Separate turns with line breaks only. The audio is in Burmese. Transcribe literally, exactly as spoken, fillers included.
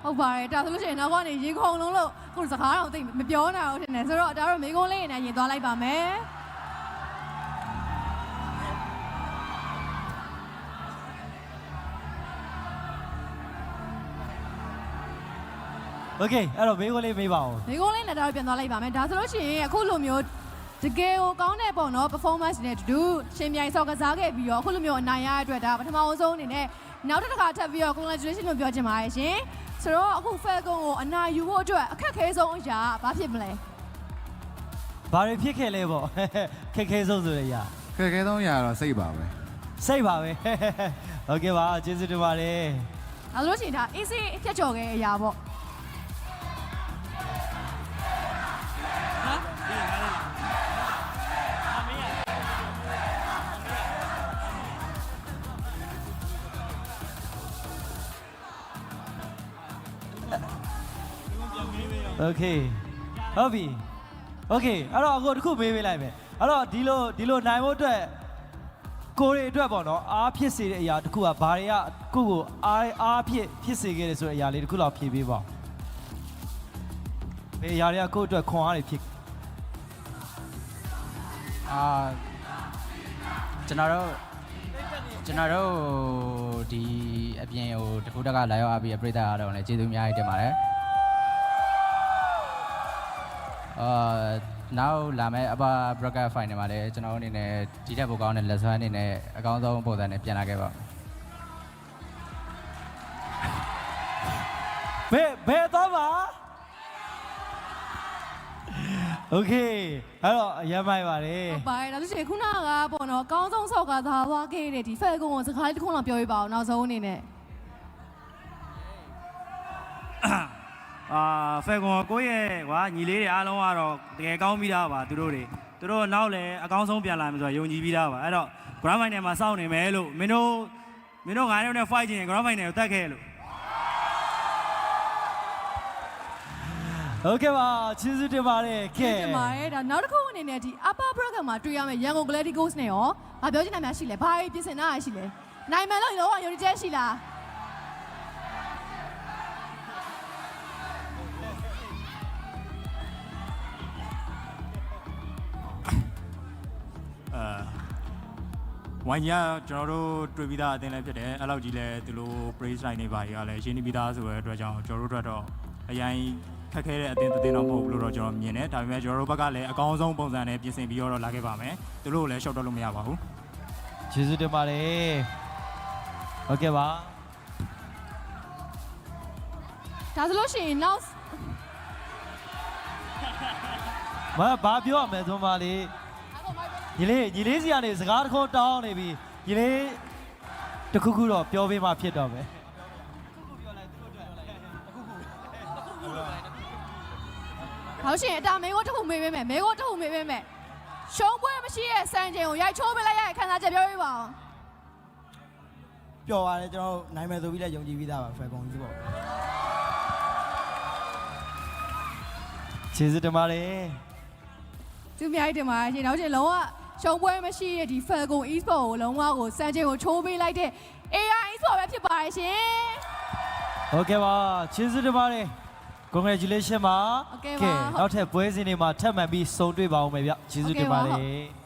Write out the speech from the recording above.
ဟုတ်ပါတယ်ဒါဆိုလို့ရှိရင်နောက်ကနေရေခုံလုံးလို့ကိုယ်စကားတော့သိမပြောနိုင်အောင်ထင်တယ်ဆိုတော့ဒါတော့မိကုန်းလေးနဲ့ရင်သွားလိုက်ပါမယ်
โอเคအဲ့တော့မိကုန်းလေးမေးပါဦး
မိကုန်းလေးနဲ့တော့ပြန်သွားလိုက်ပါမယ်ဒါဆိုလို့ရှိရင်အခုလိုမျိုးတကယ်ကိုကောင်းတဲ့ပေါ့နော် performance နဲ့တူရှင်မြိုင်ဆော့ကစားခဲ့ပြီးတော့အခုလိုမျိုးအနိုင်ရတဲ့အတွက်ဒါပထမအဆုံးအနေနဲ့နောက်တစ်ခါထပ်ပြီးတော့ congratulation လို့ပြောချင်ပါတယ်ရှင်ဆိုတော့အခု Falcon ကိုအနိုင်ယူဖို့အတွက်အခက်ခဲဆုံးအရာဘာဖြစ်မလဲ
ဘာတွေဖြစ်ခဲ့လဲပေါ့ခက်ခဲဆုံးဆိုရရ
ခက်ခဲဆုံးအရာတော့စိတ်ပါပဲ
စိတ်ပါပဲโอเคပါကျေးဇူးတင်ပါတယ်
အဲလိုရှိရင်ဒါ easy ဖြတ်ကျော်ခဲ့အရာပေါ့
โอเคဟုတ်ပြီโอเคအဲ့တော့အခုတစ်ခုမေးပေးလိုက်မယ်အဲ့တော့ဒီလိုဒီလိုနိုင်ဖို့အတွက်ကိုရီအတွက်ပေါ့နော်အားဖြစ်စေတဲ့အရာတစ်ခုကဘာတွေကကိုကိုအားအားဖြစ်ဖြစ်စေခဲ့တယ်ဆိုတဲ့အရာလေးတစ်ခုလောက်ဖြေပေးပါဘယ်အရာတွေကကိုယ့်အတွက်ခွန်အားတွေဖြစ်
အာကျွန်တော်တို့ကျွန်တော်တို့ဒီအပြင်ဟိုတခုတက်ကလာရောက်အားပြီးပြိတ္တာအားတော့လည်းကျေးဇူးအများကြီးတင်ပါတယ်အာနောက်လာမယ့်အပါ broadcast final မှာလည်းကျွန်တော်အနေနဲ့ဒီထက်ပိုကောင်းတဲ့ lesson အနေနဲ့အကောင်းဆုံးပုံစံနဲ့ပြန်လာခဲ့ပါ
ဘယ်ဘယ်တော့ပါโอเคအဲ့တော့အရင်မိုက်ပါတယ်
ဟုတ်ပါတယ်ဒါဆိုရှင်ခုနကပေါ့နော်အကောင်းဆုံးဆော့ကစားသွားခဲ့တဲ့ဒီ Falcon ကိုစကားလေးတစ်ခုလောက်ပြောပြပါဦးနောက်ဆုံးအနေနဲ့
အာဖဲကွန်ကိုယ့်ရဲ့ကွာညီလေးတွေအားလုံးကတော့တကယ်ကောင်းပြီးသားပါသူတို့တွေသူတို့နောက်လည်းအကောင်းဆုံးပြန်လာမယ်ဆိုတော့ယုံကြည်ပြီးသားပါအဲ့တော့ grand final မှာစောင့်နေမယ်လို့မင်းတို့မင်းတို့ငါးယောက်နဲ့ fight ချင်ရင် grand final ကိုတက်ခဲ့လို့
โอเคပါကျေးဇူးတင်ပါတယ်
ကဲတင်ပါတယ်ဒါနောက်တစ်ခုအနေနဲ့ဒီ upper bracket မှာတွေ့ရမယ့်ရန်ကုန် Gladiators နဲ့ရောဘာပြောချင်တာများရှိလဲဘာပြင်ဆင်တာရှိလဲနိုင်မယ်လို့ရောယုံကြည်ချက်ရှိလား
ဝိုင်းကြီးကကျွန်တော်တို့တွေ့ပြီးသားအသင်းလည်းဖြစ်တယ်အဲ့လောက်ကြီးလည်းသူတို့ praise line တွေပါကြီးကလည်းရှင်းနေပြီးသားဆိုတဲ့အတွက်ကြောင့်ကျွန်တော်တို့အတွက်တော့အရင်ခက်ခဲတဲ့အသင်းအသင်းတော့မဟုတ်ဘူးလို့တော့ကျွန်တော်မြင်တယ်ဒါပေမဲ့ကျွန်တော်တို့ဘက်ကလည်းအကောင်းဆုံးပုံစံနဲ့ပြင်ဆင်ပြီးတော့လာခဲ့ပါမယ်သူတို့ကိုလည်းရှော့တော့လို့မရပါဘူး
ကျေးဇူးတင်ပါတယ်โอเคပါ
ဒါဆိုလို့ရှိရင်နောက်
မဘာပြောရမလဲသုံးပါလေညီလေးညီလေးစီကနေစကားတစ်ခုတောင်းနေပြီညီလေးတခုခုတော့ပြောပေးမှဖြစ်တော့မယ်
ဟောရှင်အတာမေကိုတခုမေးပေးမယ်မေကိုတခုမေးပေးမယ်ရှုံးပွဲမရှိရဲ့စံချိန်ကိုရိုက်ချိုးပေးလိုက်ရတဲ့ခံစားချက်ပြောပြပါဦး
ပျော်ပါတယ်ကျွန်တော်နိုင်မယ်ဆိုပြီးလည်းယုံကြည်ပြီးသားပါဖယ်ကုန်ကြီးပေါ့
ကျေးဇူးတင်ပါတယ်
သူများတင်ပါရှင်နောက်ရှင်လုံးဝရှုံးပွဲမရှိရဲ့ဒီ Falcon Esport ကိုလုံးဝကိုစံချိန်ကိုချိုးပေးလိုက်တဲ့ အေးအာ Esport ပဲဖြစ်ပါတယ်ရှင်
โอเคပါကျေးဇူးတင်ပါတယ် congratulation ပါကဲနောက်ထပ်ပွဲစဉ်တွေမှာထပ်မံပြီးဆုံတွေ့ပါအောင်မယ်ဗျကျေးဇူးတင်ပါတယ်